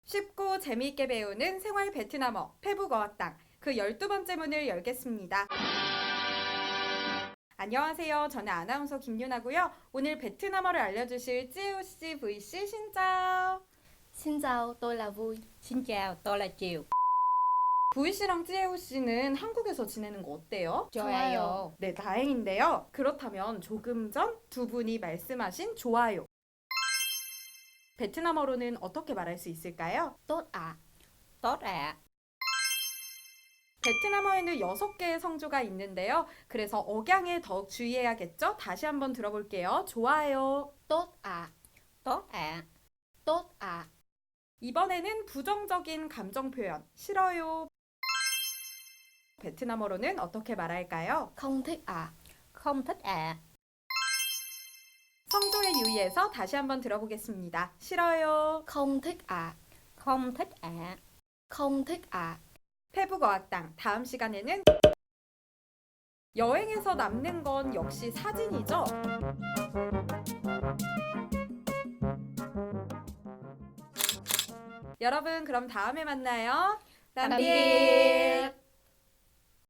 쉽고 재미있게 배우는 생활 베트남어 페북어학당 그 12번째 문을 열겠습니다. 안녕하세요. 저는 아나운서 김윤아고요. 오늘 베트남어를 알려주실 찌우씨 V씨 신짜오. Xin chào, tôi là Vui. Xin chào, tôi là Chiều. V씨랑 찌우씨는 한국에서 지내는 거 어때요? 좋아요. 네, 다행인데요. 그렇다면 조금 전 두 분이 말씀하신 좋아요. 베트남어로는 어떻게 말할 수 있을까요? Tốt ạ. Tốt ạ. 베트남어에는 6개의 성조가 있는데요. 그래서 억양에 더욱 주의해야겠죠? 다시 한번 들어볼게요. 좋아요. Tốt ạ. Tốt ạ. Tốt ạ. 이번에는 부정적인 감정 표현, 싫어요. 베트남어로는 어떻게 말할까요? Không thích ạ. Không thích ạ. 성조에 유의해서 다시 한번 들어보겠습니다. 싫어요. Không thích ạ. Không thích ạ. Không thích ạ. 페북어학당 다음 시간에는 여행에서 남는 건 역시 사진이죠? 여러분 그럼 다음에 만나요. Tạm biệt.